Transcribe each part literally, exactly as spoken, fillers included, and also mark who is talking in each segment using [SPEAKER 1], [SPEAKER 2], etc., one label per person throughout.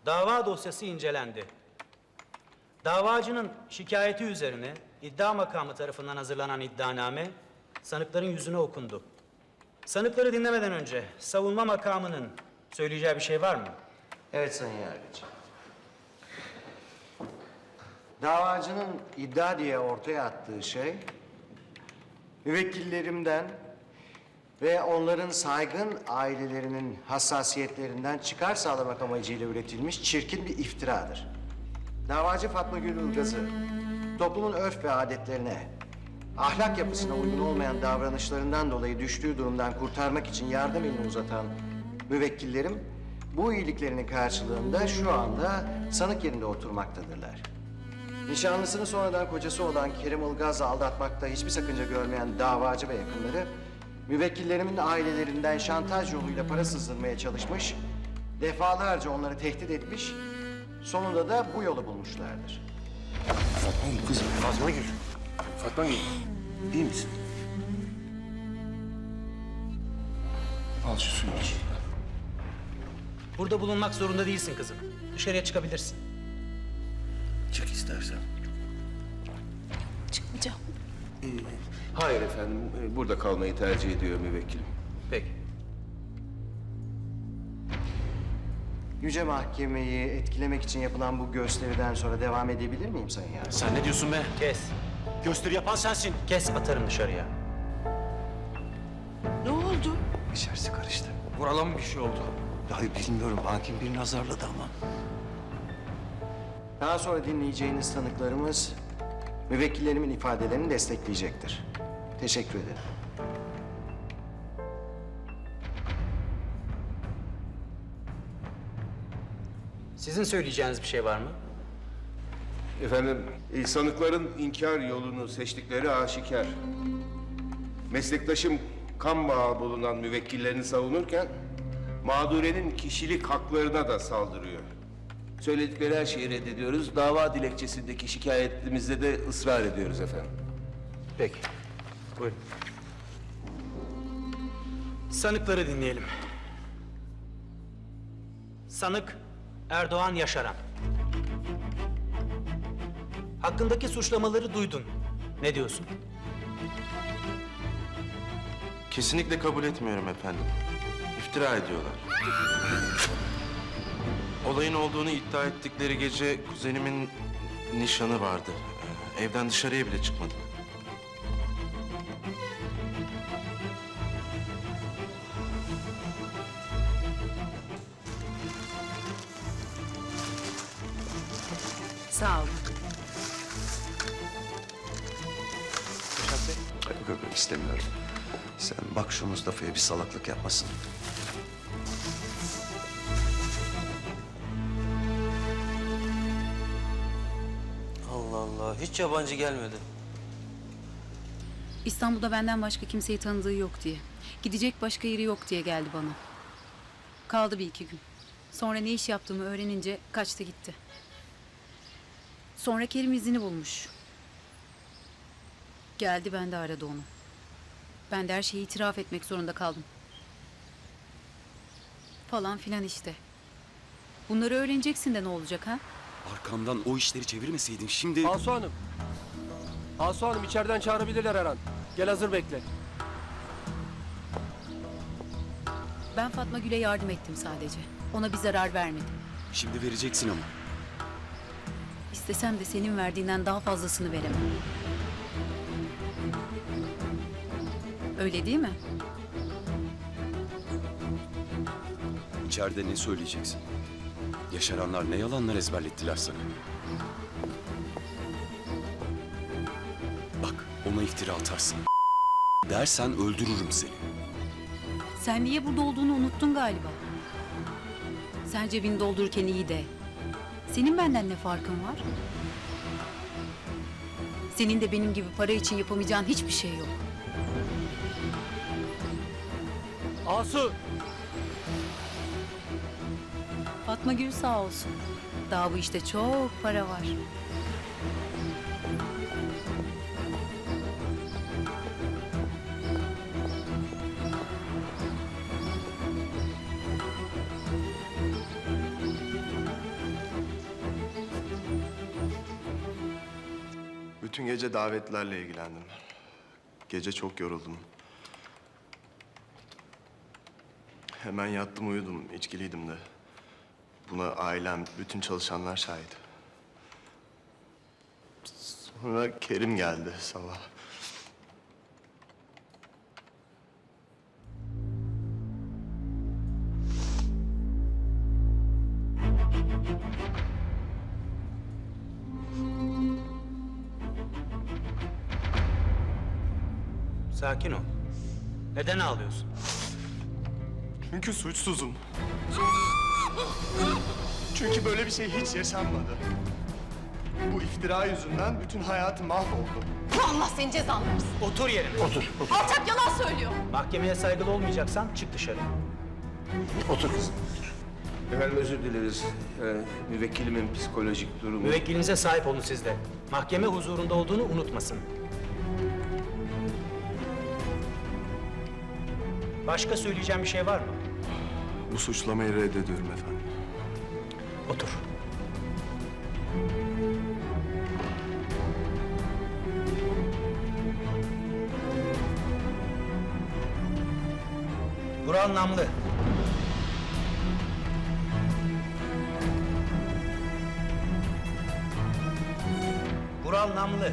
[SPEAKER 1] Dava dosyası incelendi. Davacının şikayeti üzerine iddia makamı tarafından hazırlanan iddianame sanıkların yüzüne okundu. Sanıkları dinlemeden önce savunma makamının söyleyeceği bir şey var mı?
[SPEAKER 2] Evet Sayın Yargıç. Davacının iddia diye ortaya attığı şey, müvekkillerimden ve onların saygın ailelerinin hassasiyetlerinden çıkar sağlamak amacıyla üretilmiş çirkin bir iftiradır. Davacı Fatma Gül Ilgaz'ı toplumun örf ve adetlerine, ahlak yapısına uygun olmayan davranışlarından dolayı düştüğü durumdan kurtarmak için yardım elini uzatan müvekkillerim bu iyiliklerinin karşılığında şu anda sanık yerinde oturmaktadırlar. Nişanlısını sonradan kocası olan Kerim Ilgaz'la aldatmakta hiçbir sakınca görmeyen davacı ve yakınları müvekkillerimin ailelerinden şantaj yoluyla para sızdırmaya çalışmış, defalarca onları tehdit etmiş, sonunda da bu yolu bulmuşlardır.
[SPEAKER 3] Fatma Gül kızım. Fatma Gül. Fatma Gül. İyi misin? Al şu suyu iç.
[SPEAKER 1] Burada bulunmak zorunda değilsin kızım. Dışarıya çıkabilirsin.
[SPEAKER 3] Çık istersen.
[SPEAKER 4] Çıkmayacağım.
[SPEAKER 3] Ee, hayır efendim. Ee, Burada kalmayı tercih ediyor müvekkilim.
[SPEAKER 1] Peki.
[SPEAKER 2] Yüce Mahkemeyi etkilemek için yapılan bu gösteriden sonra devam edebilir miyim Sayın Yargıç?
[SPEAKER 5] Sen ne diyorsun be?
[SPEAKER 1] Kes.
[SPEAKER 5] Gösteri yapan sensin.
[SPEAKER 1] Kes, atarım dışarıya.
[SPEAKER 4] Ne oldu?
[SPEAKER 6] İçerisi karıştı.
[SPEAKER 5] Vurala mı bir şey oldu?
[SPEAKER 6] Dahi bilmiyorum. Hakim birini azarladı ama.
[SPEAKER 2] Daha sonra dinleyeceğiniz tanıklarımız müvekkillerimin ifadelerini destekleyecektir. Teşekkür ederim.
[SPEAKER 1] Sizin söyleyeceğiniz bir şey var mı?
[SPEAKER 3] Efendim, e, sanıkların inkar yolunu seçtikleri aşikar. Meslektaşım kan bağı bulunan müvekkillerini savunurken mağdurenin kişilik haklarına da saldırıyor. Söyledikleri her şeyi reddediyoruz. Dava dilekçesindeki şikayetimizde de ısrar ediyoruz efendim.
[SPEAKER 1] Peki. Buyurun. Sanıkları dinleyelim. Sanık Erdoğan Yaşaran. Hakkındaki suçlamaları duydun. Ne diyorsun?
[SPEAKER 7] Kesinlikle kabul etmiyorum efendim. İftira ediyorlar. Olayın olduğunu iddia ettikleri gece kuzenimin nişanı vardı. Ee, Evden dışarıya bile çıkmadım.
[SPEAKER 4] Sağ olun.
[SPEAKER 6] Yok yok yok, istemiyorum. Sen bak şu Mustafa'ya bir salaklık yapmasın.
[SPEAKER 8] Allah Allah, hiç yabancı gelmedi.
[SPEAKER 9] İstanbul'da benden başka kimseyi tanıdığı yok diye. Gidecek başka yeri yok diye geldi bana. Kaldı bir iki gün. Sonra ne iş yaptığımı öğrenince kaçtı gitti. Sonra Kerim izini bulmuş. Geldi, ben de aradı onu. Ben de her şeyi itiraf etmek zorunda kaldım. Falan filan işte. Bunları öğreneceksin de ne olacak ha?
[SPEAKER 5] Arkamdan o işleri çevirmeseydin şimdi...
[SPEAKER 10] Asu Hanım. Asu Hanım, içeriden çağırabilirler her an. Gel, hazır bekle.
[SPEAKER 9] Ben Fatma Gül'e yardım ettim sadece. Ona bir zarar vermedim.
[SPEAKER 5] Şimdi vereceksin ama.
[SPEAKER 9] İstesem de senin verdiğinden daha fazlasını veremem. Öyle değil mi?
[SPEAKER 5] İçeride ne söyleyeceksin? Yaşaranlar ne yalanlar ezberlettiler sana? Bak, ona iftira atarsın. Dersen öldürürüm seni.
[SPEAKER 9] Sen niye burada olduğunu unuttun galiba. Sen cebini doldururken iyi de. Senin benden ne farkın var? Senin de benim gibi para için yapamayacağın hiçbir şey yok.
[SPEAKER 10] Asu!
[SPEAKER 9] Fatma Gül sağ olsun. Daha bu işte çok para var.
[SPEAKER 11] Bütün gece davetlerle ilgilendim. Gece çok yoruldum. Hemen yattım uyudum, içkiliydim de. Buna ailem, bütün çalışanlar şahit. Sonra Kerim geldi sabah.
[SPEAKER 1] Sakin ol. Neden ağlıyorsun?
[SPEAKER 11] Çünkü suçsuzum. Çünkü böyle bir şey hiç yaşanmadı. Bu iftira yüzünden bütün hayatım mahvoldu.
[SPEAKER 4] Allah senin cezanı versin.
[SPEAKER 1] Otur yerine. Otur.
[SPEAKER 4] Alçak yalan söylüyor.
[SPEAKER 1] Mahkemeye saygılı olmayacaksan çık dışarı.
[SPEAKER 3] Otur kızım. Efendim özür dileriz. Yani müvekkilimin psikolojik durumu...
[SPEAKER 1] Müvekkilinize sahip olun siz de. Mahkeme huzurunda olduğunu unutmasın. Başka söyleyeceğim bir şey var mı?
[SPEAKER 11] Bu suçlamayı reddediyorum efendim.
[SPEAKER 1] Otur. Vural Namlı. Vural Namlı.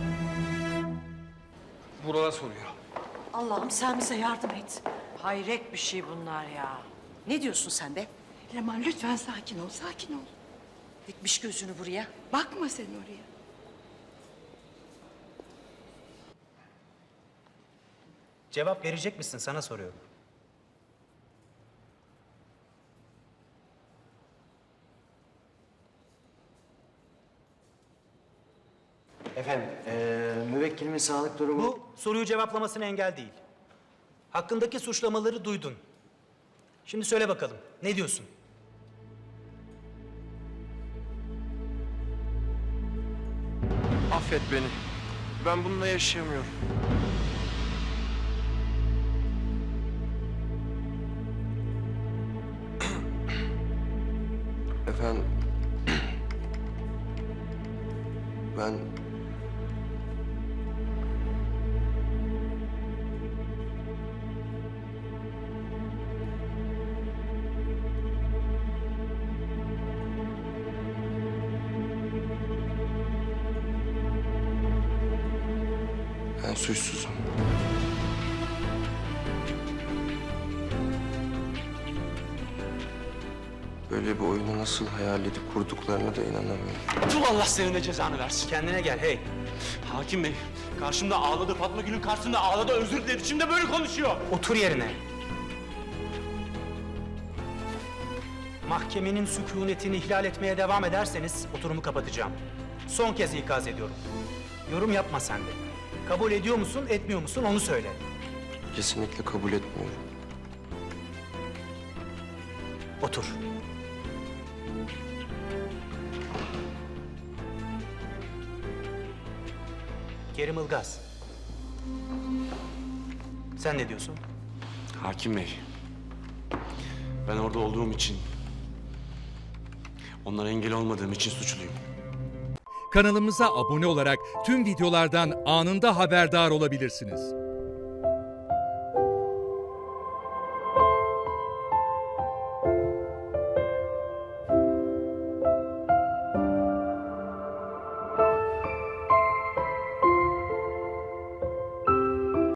[SPEAKER 10] Vural'a soruyor.
[SPEAKER 4] Allah'ım sen bize yardım et. Hayret bir şey bunlar ya. Ne diyorsun sen be?
[SPEAKER 12] Leman lütfen sakin ol, sakin ol.
[SPEAKER 4] Dikmiş gözünü buraya.
[SPEAKER 12] Bakma sen oraya.
[SPEAKER 1] Cevap verecek misin? Sana soruyorum.
[SPEAKER 2] Efendim, eee müvekkilimin sağlık durumu...
[SPEAKER 1] Bu soruyu cevaplamasına engel değil. Hakkındaki suçlamaları duydun. Şimdi söyle bakalım. Ne diyorsun?
[SPEAKER 10] Affet beni. Ben bununla yaşayamıyorum.
[SPEAKER 11] Efendim... Ben... Ben suçsuzum. Böyle bir oyunu nasıl hayal edip kurduklarına da inanamıyorum.
[SPEAKER 5] Tüm Allah senin de cezanı versin.
[SPEAKER 1] Kendine gel hey.
[SPEAKER 5] Hakim Bey, karşımda ağladı, Fatma Gül'ün karşısında ağladı, özür diledi. Şimdi böyle konuşuyor.
[SPEAKER 1] Otur yerine. Mahkemenin sükunetini ihlal etmeye devam ederseniz oturumu kapatacağım. Son kez ikaz ediyorum. Yorum yapma sen de. Kabul ediyor musun, etmiyor musun onu söyle.
[SPEAKER 11] Kesinlikle kabul etmiyorum.
[SPEAKER 1] Otur. Kerim Ilgaz. Sen ne diyorsun?
[SPEAKER 5] Hakim Bey, ben orada olduğum için, onlara engel olmadığım için suçluyum.
[SPEAKER 13] Kanalımıza abone olarak tüm videolardan anında haberdar olabilirsiniz.